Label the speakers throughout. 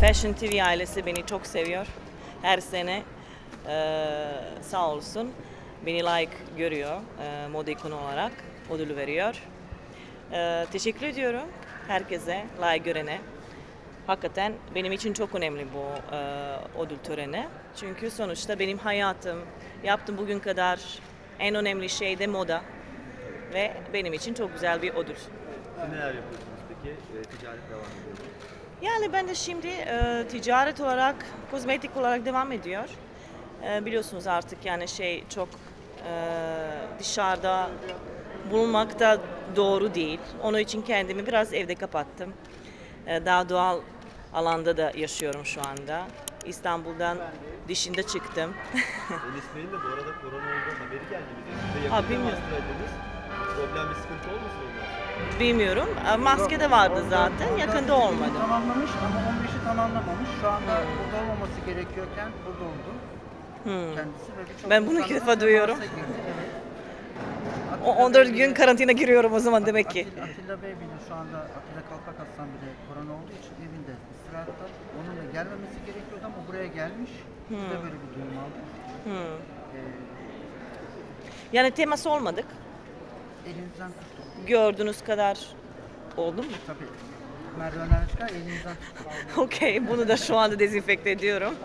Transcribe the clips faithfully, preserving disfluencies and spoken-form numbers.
Speaker 1: Fashion T V ailesi beni çok seviyor. Her sene e, sağ olsun beni layık görüyor e, moda ikonu olarak ödülü veriyor. E, teşekkür ediyorum herkese, layık görene. Hakikaten benim için çok önemli bu e, ödül töreni. Çünkü sonuçta benim hayatım, yaptığım bugün kadar en önemli şey de moda. Ve benim için çok güzel bir ödül.
Speaker 2: Siz neler yapıyorsunuz peki? E, ticaret devam ediyor mu?
Speaker 1: Yani ben de şimdi e, ticaret olarak, kozmetik olarak devam ediyor. E, biliyorsunuz artık yani şey çok e, dışarıda bulmak da doğru değil. Onun için kendimi biraz evde kapattım. E, daha doğal alanda da yaşıyorum şu anda. İstanbul'dan dışında çıktım.
Speaker 2: Enis Bey'in de bu arada korona olduğu haberi geldi bize. Siz de
Speaker 1: Ha,
Speaker 2: yakında
Speaker 1: bilmiyorum.
Speaker 2: master ediniz. Problem bir sıkıntı olmasın ondan?
Speaker 1: Bilmiyorum. E, Maske de vardı zaten. Yakında olmadı.
Speaker 3: Tamamlamış ama on beşi tamamlamamış. Şu anda burada olmaması gerekiyorken burada oldu.
Speaker 1: Hmm.
Speaker 3: Kendisi ve birçok
Speaker 1: Ben bunu ilk
Speaker 3: insanla
Speaker 1: defa duyuyorum.
Speaker 3: temasa girdi. Evet.
Speaker 1: O
Speaker 3: Atilla
Speaker 1: on dört
Speaker 3: Bey
Speaker 1: gün
Speaker 3: bile-
Speaker 1: karantina giriyorum o zaman demek ki.
Speaker 3: Atilla, Atilla Bey bile şu anda Atilla Kalpak Aslan bile korona olduğu için evinde istirahatta. Onun da gelmemesi gerekiyordu ama buraya gelmiş. Biz de böyle bir duyum aldık.
Speaker 1: Hmm.
Speaker 3: Ee,
Speaker 1: Yani temas olmadık.
Speaker 3: elinizden tuttuk.
Speaker 1: Gördüğünüz kadar oldu mu?
Speaker 3: Tabii merdivenler çıkar elinizden tuttuk.
Speaker 1: Okey, bunu da şu anda dezenfekte ediyorum.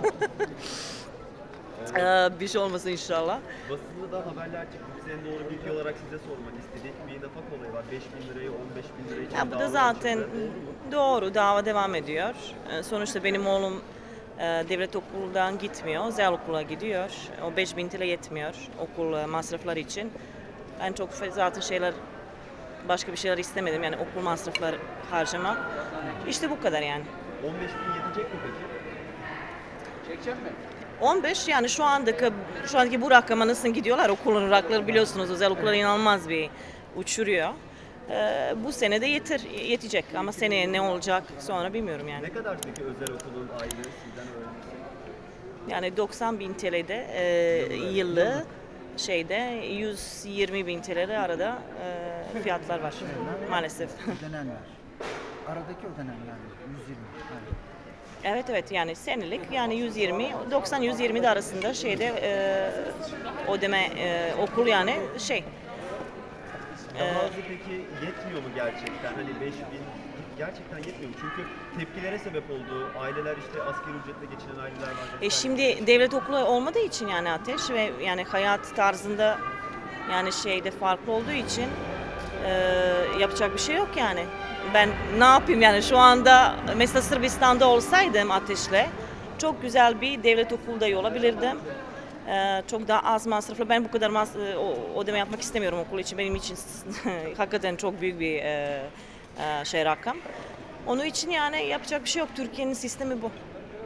Speaker 1: Ee, bir şey olmasın inşallah.
Speaker 2: Basında da haberler çıktı. Biz en doğru bilgi olarak size sormak istedik. Bir nafak olayı var. beş bin lirayı on beş bin lira için
Speaker 1: Ya bu da
Speaker 2: davalar
Speaker 1: zaten
Speaker 2: çıktı. Doğru mu?
Speaker 1: doğru, dava devam ediyor. Ee, sonuçta benim oğlum e, devlet okuldan gitmiyor, özel okula gidiyor. O beş bin T L yetmiyor okul e, masrafları için. Ben çok fa- zaten şeyler, başka bir şeyler istemedim yani okul masrafları harcamak. İşte bu kadar yani.
Speaker 2: on beş bin yetecek mi peki?
Speaker 1: on beş yani şu andaki şu andaki bu rakama nasıl gidiyorlar okulun rakları biliyorsunuz özel okullar inanılmaz bir uçuruyor. Ee, bu sene de yeter yetecek ama seneye ne olacak sonra bilmiyorum yani.
Speaker 2: Ne kadar peki özel okulun aylığı sizden öğrencisi?
Speaker 1: Yani doksan bin T L'de e, yıllı şeyde yüz yirmi bin T L'de arada e, fiyatlar var maalesef.
Speaker 3: Ödenenler. Aradaki ödenenler yüz yirmi. Evet.
Speaker 1: Evet evet yani senelik yani yüz yirmi doksan yüz yirmi de arasında şeyde e, ödeme e, okul yani şey.
Speaker 2: Daha azı peki yetmiyor mu gerçekten? Hani beş bin gerçekten yetmiyor mu? Çünkü tepkilere sebep oldu. Aileler işte asgari ücretle geçinen aileler var.
Speaker 1: E şimdi devlet okulu olmadığı için yani Ateş ve yani hayat tarzında yani şeyde farklı olduğu için e, yapacak bir şey yok yani. Ben ne yapayım yani şu anda mesela Sırbistan'da olsaydım Ateş'le çok güzel bir devlet okulda olabilirdim. E, çok daha az masraflı. Ben bu kadar mas e, o, ödeme yapmak istemiyorum okul için. Benim için hakikaten çok büyük bir e, e, şey rakam. Onun için yani yapacak bir şey yok. Türkiye'nin sistemi bu.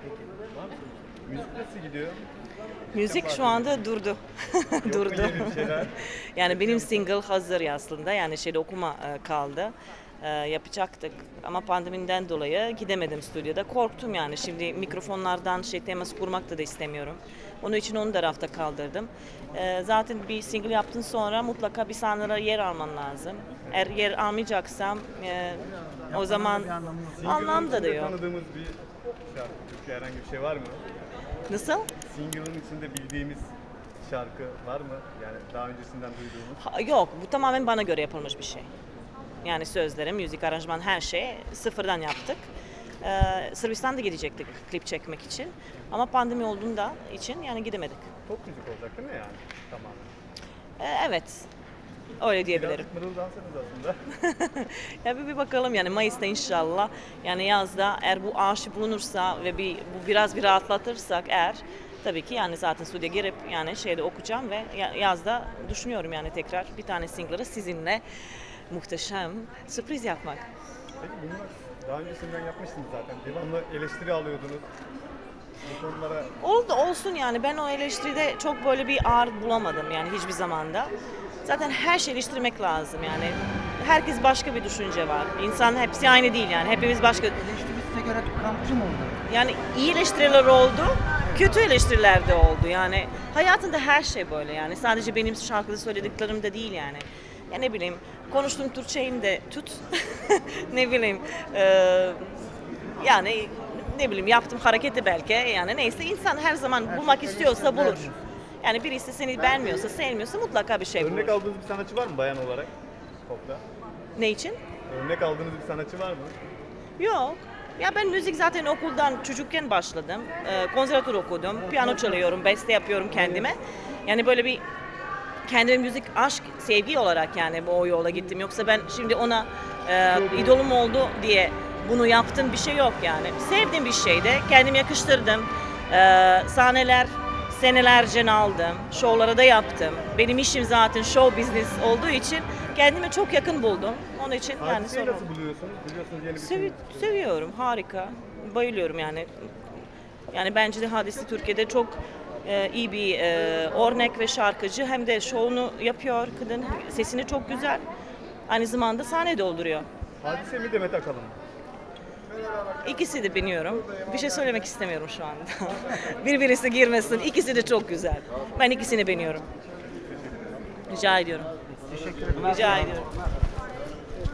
Speaker 2: Müzik nasıl gidiyor?
Speaker 1: Müzik şu anda durdu. durdu.
Speaker 2: yeni bir şeyler?
Speaker 1: Yani benim single hazır aslında. Yani şeyde okuma e, kaldı. E, yapacaktık ama pandemiden dolayı gidemedim stüdyoda. Korktum yani. Şimdi mikrofonlardan şey temas kurmak da, da istemiyorum. Onun için onu da rafta kaldırdım. E, zaten bir single yaptın sonra mutlaka bir sahnelere yer alman lazım. Eğer yer almayacaksam e, o zaman
Speaker 3: Bir anlamı yok.
Speaker 1: anlam da da
Speaker 4: içinde
Speaker 1: yok.
Speaker 4: tanıdığımız bir şarkı, Türkçe herhangi bir şey var mı?
Speaker 1: Nasıl?
Speaker 4: Single'ın içinde bildiğimiz şarkı var mı? Yani daha öncesinden duyduğumuz.
Speaker 1: Ha, yok, bu tamamen bana göre yapılmış bir şey. Yani sözleri, müzik, aranjman her şeyi sıfırdan yaptık. Ee, Sırbistan'da gidecektik klip çekmek için. Ama pandemi olduğunda için yani gidemedik.
Speaker 4: Pop müzik olacak değil mi yani? Tamamen.
Speaker 1: Ee, evet, öyle diyebilirim.
Speaker 4: Birazcık mırıldansanız aslında.
Speaker 1: Ya bir, bir bakalım yani Mayıs'ta inşallah. Yani yazda eğer bu aşı bulunursa ve bir bu biraz bir rahatlatırsak eğer tabii ki yani zaten stüdyoya girip yani şeyde okuyacağım ve ya- yazda düşünüyorum yani tekrar bir tane single'ı sizinle muhteşem sürpriz yapmak.
Speaker 4: Peki bunlar daha öncesinden yapmışsınız zaten. Devamlı eleştiri alıyordunuz. Bu konulara
Speaker 1: Oldu olsun yani ben o eleştiride çok böyle bir ağır bulamadım yani hiçbir zamanda. Zaten her şeyi eleştirmek lazım yani. Herkes başka bir düşünce var. İnsan hepsi aynı değil yani. Hepimiz başka.
Speaker 3: Eleştiri size göre kampçı mı oldu?
Speaker 1: Yani iyi eleştiriler oldu, kötü eleştiriler de oldu. Yani hayatında her şey böyle yani. Sadece benim şarkıda söylediklerim de değil yani. Ya ne bileyim, konuştuğum Türkçeyi de tut. Ne bileyim, eee, yani ne bileyim yaptığım hareketi belki yani neyse insan her zaman
Speaker 3: Her
Speaker 1: bulmak
Speaker 3: şey
Speaker 1: istiyorsa
Speaker 3: eleştiriler
Speaker 1: bulur.
Speaker 3: diyorsun.
Speaker 1: Yani birisi seni beğenmiyorsa, sevmiyorsa mutlaka bir şey bulur.
Speaker 4: Örnek aldığınız bir sanatçı var mı bayan olarak? Pop'ta.
Speaker 1: Ne için?
Speaker 4: Örnek aldığınız bir sanatçı var mı?
Speaker 1: Yok. Ya ben müzik zaten okuldan çocukken başladım. Ee, konservatuvar okudum. Piyano çalıyorum, beste yapıyorum kendime. Yani böyle bir kendime müzik, aşk, sevgi olarak yani bu o yola gittim. Yoksa ben şimdi ona e, idolum oldu diye bunu yaptım bir şey yok yani. Sevdiğim bir şeydi. Kendim yakıştırdım. Ee, sahneler senelerce aldım. Şovlara da yaptım. Benim işim zaten show business olduğu için kendime çok yakın buldum. Onun için yani
Speaker 4: Hadiseyi
Speaker 1: sorun.
Speaker 4: nasıl buluyorsunuz? Biliyorsunuz yeni bir
Speaker 1: Sevi-
Speaker 4: film.
Speaker 1: seviyorum, harika. Bayılıyorum yani. Yani bence de Hadise Türkiye'de çok e, iyi bir e, örnek ve şarkıcı. Hem de şovunu yapıyor kadın. Sesini çok güzel. Aynı zamanda sahne dolduruyor.
Speaker 4: Hadise mi Demet Akalın mı?
Speaker 1: İkisi de biliyorum. Bir şey söylemek istemiyorum şu anda. Birbirisi girmesin. İkisi de çok güzel. Ben ikisini beğeniyorum. Rica ediyorum.
Speaker 3: Teşekkür ederim.
Speaker 1: Rica ediyorum.